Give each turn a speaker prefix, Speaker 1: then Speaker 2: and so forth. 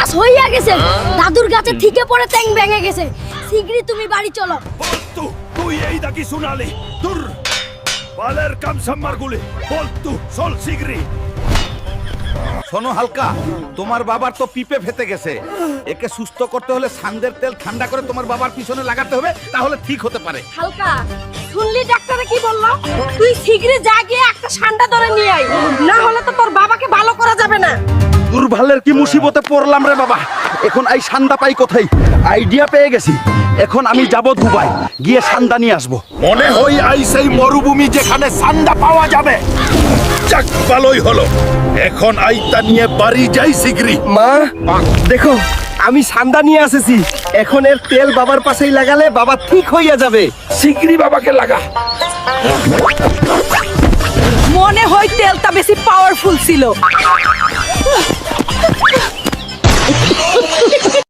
Speaker 1: গাছ হইয়া গেছে, দাদুর গাছে ঠিকে পড়ে ট্যাং ভেঙে গেছে। শিগগিরই তুমি বাড়ি চলো।
Speaker 2: বলতু তুই এই দাকি শুনালি দূর বালের কাম সাম্মার গুলি বলতু চল শিগগিরই।
Speaker 3: শোনো হালকা, তোমার বাবার তো পিপে ফেটে গেছে, একে সুস্থ করতে হলে সান্দের তেল ঠান্ডা করে তোমার বাবার পিছনে লাগাতে হবে, তাহলে ঠিক হতে পারে।
Speaker 1: হালকা, শুনলি ডাক্তারে কি বললো? তুই শিগগিরই যা গিয়ে একটা ঠান্ডা ধরে নিয়ে আয়, না হলে তো তোর বাবাকে ভালো করা যাবে না।
Speaker 4: দুর্ভালের কি মুসিবতে পড়লাম রে বাবা। এখন এই সান্দা পাই কোথায়? আইডিয়া পেয়ে গেছি। এখন আমি যাব দুবাই, গিয়ে সান্দা নিয়ে আসবো।
Speaker 2: মনে হয় এই সেই মরুভূমি যেখানে সান্দা পাওয়া যাবে। যাক ভালোই হলো, এখন আইতা নিয়ে বাড়ি যাই শিগগিরই।
Speaker 4: মা দেখো, আমি সান্দা নিয়ে এসেছি। এখন এর তেল বাবার পাশেই লাগালে বাবা ঠিক হইয়া যাবে।
Speaker 2: শিগগিরই বাবাকে লাগা।
Speaker 5: মনে হয় তেলটা বেশি পাওয়ারফুল ছিল।